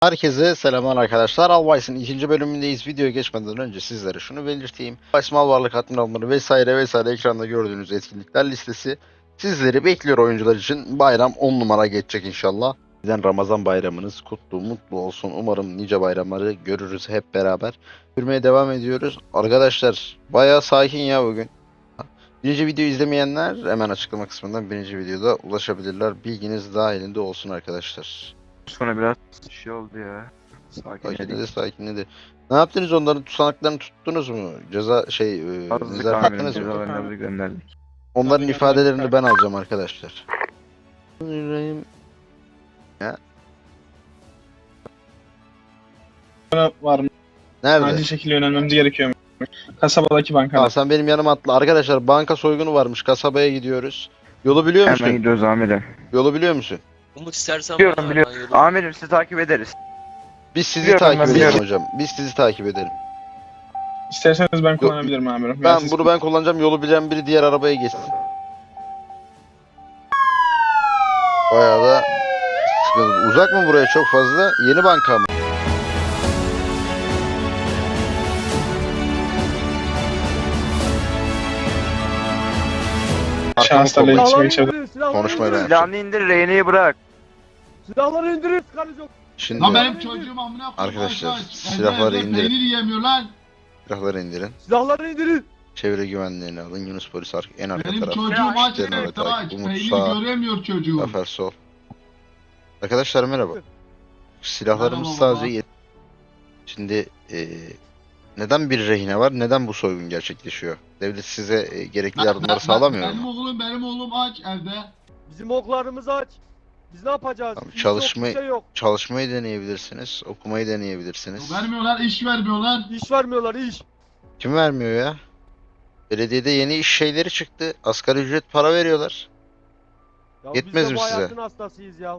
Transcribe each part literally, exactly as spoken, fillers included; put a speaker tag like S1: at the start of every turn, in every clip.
S1: Herkese selamlar arkadaşlar. Alvice'ın ikinci bölümündeyiz. Videoya geçmeden önce sizlere şunu belirteyim. Alvice mal varlık adminalları vesaire vesaire ekranda gördüğünüz etkinlikler listesi sizleri bekliyor oyuncular için. Bayram on numara geçecek inşallah. Sizden Ramazan bayramınız kutlu mutlu olsun. Umarım nice bayramları görürüz hep beraber. Yürümeye devam ediyoruz. Arkadaşlar bayağı sakin ya bugün. Birinci videoyu izlemeyenler hemen açıklama kısmından birinci videoda ulaşabilirler. Bilginiz dahilinde olsun arkadaşlar.
S2: Sonra biraz şey oldu ya.
S1: Sakinledi
S2: Sakinledik.
S1: sakinledi. Ne yaptınız, onların tutanaklarını tuttunuz mu? Ceza şey e,
S2: Azlık
S1: nezaret
S2: amirim
S1: ettiniz mi?
S2: cezalarını gönderdik.
S1: Onların
S3: Tabii,
S1: ifadelerini
S3: tabii.
S1: ben alacağım arkadaşlar. Yüreğim-
S3: var mı?
S1: Nerede?
S3: Acil şekilde yönelmemiz gerekiyor. Kasabadaki
S1: Tamam,
S3: bankada.
S1: sen benim yanıma atla. Arkadaşlar banka soygunu varmış. Kasabaya gidiyoruz. Yolu biliyor musun?
S2: Hemen gidiyoruz amirim.
S1: Yolu biliyor musun?
S4: Umut istersen
S2: Biliyorum
S4: bana
S2: biliyorum.
S4: ben yolu-
S2: Amirim sizi takip ederiz.
S1: Biz sizi
S2: Biliyorum,
S1: takip
S2: ben
S1: edelim
S2: biliyorum.
S1: hocam. Biz sizi takip edelim.
S3: İsterseniz ben kullanabilirim amirim.
S1: Ben
S3: siz-
S1: bunu ben kullanacağım. Yolu bilen biri diğer arabaya geçsin. Bayağı da sıkıntı. Uzak mı buraya çok fazla? Yeni banka mı? Arkamı
S3: Şahıslarla
S1: kollayın.
S3: iletişime geçebilirim.
S5: indirin, silahları
S1: Konuşmayı
S5: indirin.
S1: ben-
S2: Silahını indir, rehineyi bırak.
S5: Silahları indirin, sıkarız yok.
S1: Şimdi
S6: Lan benim çocuğum amına koyayım.
S1: Arkadaşlar,
S6: aç, aç.
S1: silahları
S6: Evde- evde
S1: indirin.
S6: Peynir yemiyor lan.
S1: silahları indirin.
S5: Silahları indirin.
S1: Çevre güvenliğini alın. Yunus polis ar- en arka
S6: Benim
S1: taraf.
S6: çocuğum aç
S1: İşlerine ve
S6: evet
S1: takip.
S6: aç.
S1: Umut
S6: Peynir
S1: sağ.
S6: göremiyor çocuğum.
S1: Zafer sol. Arkadaşlar merhaba. Silahlarımız
S6: Merhaba
S1: sadece
S6: baba.
S1: yet. Şimdi e, neden bir rehine var? Neden bu soygun gerçekleşiyor? Devlet size e, gerekli
S6: Ben-
S1: yardımları
S6: ben-
S1: sağlamıyor
S6: Benim
S1: mu?
S6: oğlum benim oğlum aç evde.
S5: Bizim oklarımızı aç. Biz ne yapacağız?
S1: Tamam,
S5: İş
S1: çalışma-
S5: yok, bir şey yok.
S1: Çalışmayı deneyebilirsiniz. Okumayı deneyebilirsiniz.
S6: Vermiyorlar iş vermiyorlar.
S5: İş vermiyorlar, iş.
S1: Kim vermiyor ya? Belediyede yeni iş şeyleri çıktı. Asgari ücret para veriyorlar.
S5: Ya
S1: Yetmez
S5: biz de
S1: mi
S5: bu
S1: size?
S5: hayatın hastasıyız ya.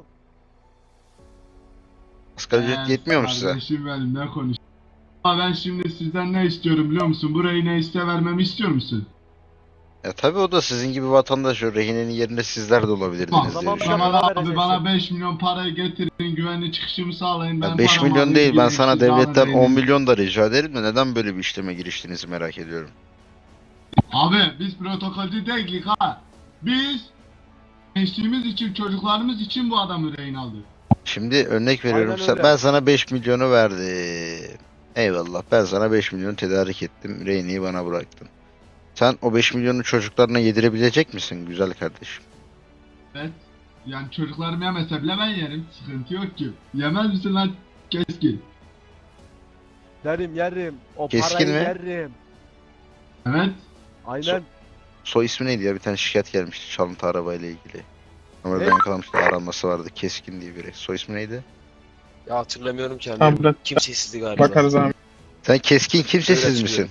S1: Asgari ücret
S6: Ee,
S1: yetmiyor mu size?
S6: Kardeşim benim ne konuş. Ama ben şimdi sizden ne istiyorum biliyor musun? Burayı ne iste vermemi istiyor musun?
S1: Ya tabii o da sizin gibi vatandaş, o rehinenin yerinde sizler de olabilirdiniz
S6: Bak,
S1: diye
S5: Tamam,
S1: düşünüyorum.
S5: tamam.
S6: Kemal
S5: para
S6: abi
S5: vereceksin.
S6: bana beş milyon parayı getirin güvenli çıkışımı sağlayın.
S1: Ya
S6: Ben
S1: beş
S6: paramı
S1: milyon
S6: alayım,
S1: değil, ben
S6: gideyim,
S1: sana
S6: siz
S1: devletten
S6: alın
S1: on
S6: beni.
S1: milyon da rica ederim de neden böyle bir işleme giriştiğinizi merak ediyorum.
S6: Abi biz protokolcü değiliz ha. Biz gençliğimiz için, çocuklarımız için bu adamı rehin aldık.
S1: Şimdi örnek veriyorum,
S5: Aynen
S1: sen,
S5: öyle.
S1: ben sana beş milyonu verdim. Eyvallah, ben sana beş milyon tedarik ettim, rehini bana bıraktın. Sen o beş milyonu çocuklarına yedirebilecek misin güzel kardeşim?
S6: Evet. Yani çocuklarım yemese bile ben yerim. Sıkıntı yok ki. Yemez misin lan keskin?
S5: Yerim, yerim. O
S1: Keskin
S5: parayı
S1: mi?
S5: yerim.
S6: Evet.
S5: Aynen.
S1: Soy ismi neydi ya, bir tane şikayet gelmişti çalıntı arabayla ilgili. Ama
S5: Ne?
S1: ben yakalamıştı, aranması vardı, Keskin diye biri. Soy ismi neydi?
S4: Ya hatırlamıyorum kendimi.
S3: Tamam, bırak.
S4: Kimsesizdi galiba.
S3: Bakarız abi.
S1: Sen Keskin kimsesiz
S4: Evet,
S1: misin?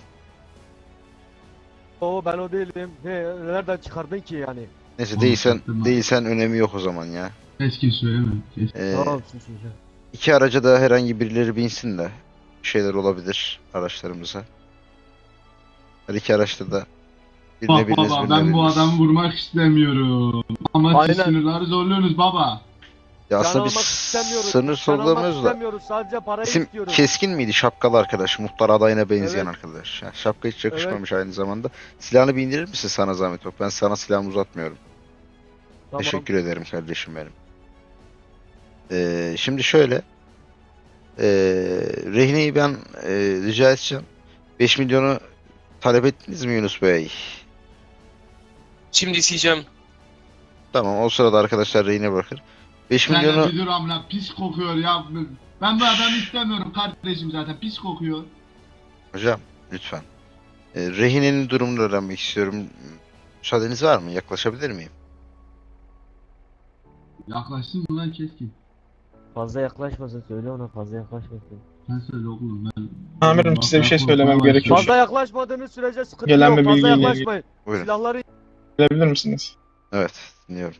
S5: O ben o değilim. Ne, nereden çıkardın ki yani?
S1: Neyse,
S6: Onu
S1: değilsen
S6: sattım abi.
S1: değilsen önemi yok o zaman ya.
S6: Keskin söyleme. Keskin.
S1: Ee,
S5: Tamam, sus, sus, sus.
S1: İki araca da herhangi birileri binsin de bir şeyler olabilir araçlarımıza. Her iki araçta da birine
S6: Bak
S1: biriniz
S6: baba
S1: birine
S6: ben bu
S1: biriniz.
S6: adamı vurmak istemiyorum. Ama siz
S5: Aynen.
S6: sınırları zorluyorsunuz baba.
S1: Ya
S5: Can
S1: aslında biz
S5: almak istemiyoruz.
S1: sınır
S5: Can almak
S1: sorgulamıyoruz da.
S5: istemiyoruz. Sadece parayı
S1: İsim
S5: istiyoruz.
S1: Keskin miydi? Şapkalı arkadaş. Muhtar adayına benzeyen
S5: Evet.
S1: arkadaş. Ya, şapka hiç yakışmamış aynı zamanda. Silahını bir indirir misin sana zahmet yok. Ben sana silahımı uzatmıyorum.
S5: Tamam.
S1: Teşekkür ederim kardeşim benim. Ee, şimdi şöyle. Ee, rehineyi ben e, rica edeceğim. beş milyonu talep ettiniz mi Yunus Bey?
S4: Şimdi isteyeceğim.
S1: Tamam, o sırada arkadaşlar rehine bırakır. beş
S6: Sen
S1: milyonu
S6: de bir dur amına pis kokuyor ya. Ben bu adamı istemiyorum kardeşim zaten pis kokuyor.
S1: hocam lütfen. Ee, rehinenin durumunu öğrenmek istiyorum. Müsaadeniz var mı? Yaklaşabilir miyim?
S6: Yaklaşsın mı lan keskin?
S5: Fazla yaklaşmasın, söyle ona fazla yaklaşmasın.
S6: Sen söyle oğlum ben.
S3: Amirim, size bir şey
S6: Ben
S3: söylemem
S6: korkmaya
S3: gerekiyor.
S6: başladım.
S5: Fazla yaklaşmadığınız sürece sıkıntı
S3: Gelen
S5: yok.
S3: bir
S5: Fazla
S3: bilgiyle ilgili.
S5: yaklaşmayın.
S1: Buyurun.
S5: Silahları
S3: Gelebilir misiniz?
S1: Evet, dinliyorum.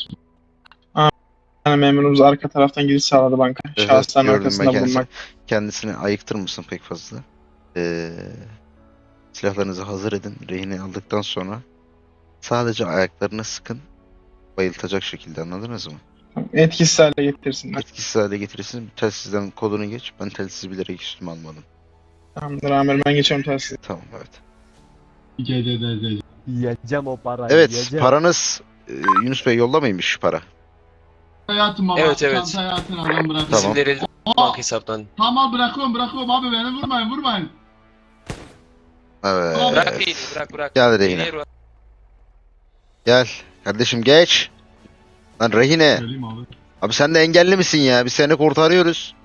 S3: Yani memurumuz arka taraftan giriş sağladı banka.
S1: Evet,
S3: Şahısların
S1: gördüm ben
S3: arkasında
S1: kendisini.
S3: bulunmak.
S1: Kendisini ayıktır mısın pek fazla? Ee, silahlarınızı hazır edin. Rehine aldıktan sonra sadece ayaklarını sıkın. Bayıltacak şekilde, anladınız mı?
S3: Etkisiz hale getirsinler.
S1: Etkisiz hale getirirsin. Telsizden kodunu geç. Ben telsizi bilerek üstüme almadım.
S3: Tamamdır amirim, ben geçiyorum telsize.
S1: Tamam, evet.
S6: Gece de de.
S5: Yiyeceğim o parayı.
S1: Evet,
S5: yiyeceğim.
S1: paranız e, Yunus Bey yollamaymış para.
S6: Hayatım baba.
S4: Evet, evet.
S6: Çanta hayatın adam bırak.
S1: Tamam.
S4: İsimleri
S6: Aa,
S4: banka hesaptan.
S6: tamam bırakıyorum bırakıyorum abi beni vurmayın vurmayın.
S1: Evet.
S4: Bırak beyni, bırak bırak.
S1: Gel rehine.
S4: Beyni bırak.
S1: Gel. Kardeşim geç. Lan rehine.
S6: Söyleyeyim abi.
S1: Abi sen de engelli misin ya? Biz seni kurtarıyoruz.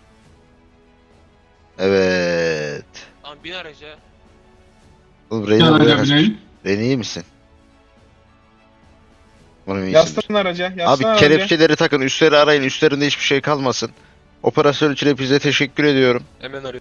S1: Evet.
S4: Tamam bin araca.
S1: Oğlum
S6: Gel
S1: rehine buraya
S6: araca
S1: kaçmış.
S6: bineyim.
S1: Rehine iyi misin? Umarım iyisindir.
S3: Yaslanın araca.
S1: Abi
S3: Yaslanın araca.
S1: kelepçeleri takın. Üstleri arayın. Üstlerinde hiçbir şey kalmasın. Operasyon için hepinize teşekkür ediyorum.
S4: Hemen arıyorum.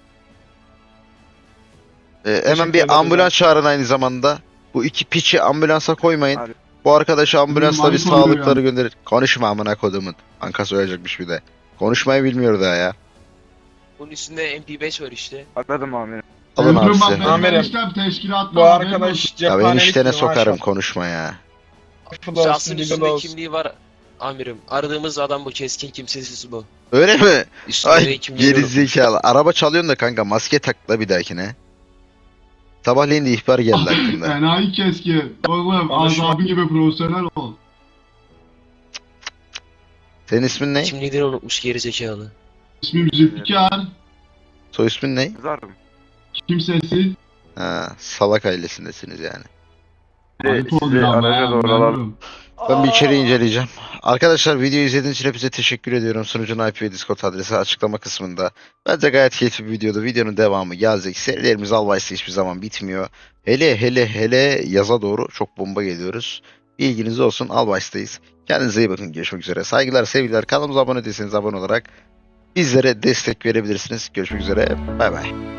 S1: Ee, hemen
S3: Teşekkür
S1: bir
S3: ederiz
S1: ambulans
S3: abi.
S1: çağırın aynı zamanda. Bu iki piçi ambulansa koymayın.
S2: Abi.
S1: Bu arkadaşı ambulansla bir
S6: Benim ayıp oluyor
S1: sağlıkları gönderin. Konuşma amına kodumun. Anka söyleyecekmiş bir de. Konuşmayı bilmiyor daha ya.
S4: Bunun üstünde M P beş var işte.
S2: Anladım amirim.
S1: Alın abi
S6: Ömrüm bak
S1: size.
S6: benim
S3: Amirim.
S6: eniştem teşkilatta.
S3: Bu
S6: haberin olsun.
S3: arkadaş
S1: Ya beni
S3: cephanelik
S1: işlerine
S3: gibi, maşallah.
S1: sokarım, konuşma ya.
S3: Affı da olsun,
S4: Şahsın
S3: dili de
S4: üstünde
S3: olsun.
S4: kimliği var. Amirim. Aradığımız adam bu, keskin kimsesiz bu.
S1: Öyle mi?
S4: Üstünde de
S1: Ay
S4: kimliği yok.
S1: gerizekalı. Araba çalıyorsun da kanka maske tak da bir dahakine. Sabahleyin de ihbar geldi hakkında.
S6: Enayi keski. Oğlum
S3: Konuşma.
S6: azabı gibi profesyonel ol.
S1: Senin ismin ne?
S4: Kimliğini unutmuş gerizekalı.
S6: İsmim Zülfikar.
S1: Soy ismin ne?
S2: Kızarım.
S6: Kimsesiz.
S1: Ha, salak ailesindesiniz yani.
S2: Bir de
S6: Ayıp
S2: sizi
S6: oluyor ama
S2: araca
S6: ya,
S2: doğru alalım.
S6: memnunum.
S1: Ben bir içeri inceleyeceğim. Arkadaşlar videoyu izlediğiniz için hepinize teşekkür ediyorum. Sunucunun I P ve Discord adresi açıklama kısmında. Bence gayet keyifli bir videodu. Videonun devamı gelecek. Serilerimiz Alvice'da hiçbir zaman bitmiyor. Hele hele hele yaza doğru çok bomba geliyoruz. Bilginiz olsun, Alvice'dayız. Kendinize iyi bakın. Görüşmek üzere. Saygılar, sevgiler. Kanalımıza abone değilseniz abone olarak bizlere destek verebilirsiniz. Görüşmek üzere. Bay bay.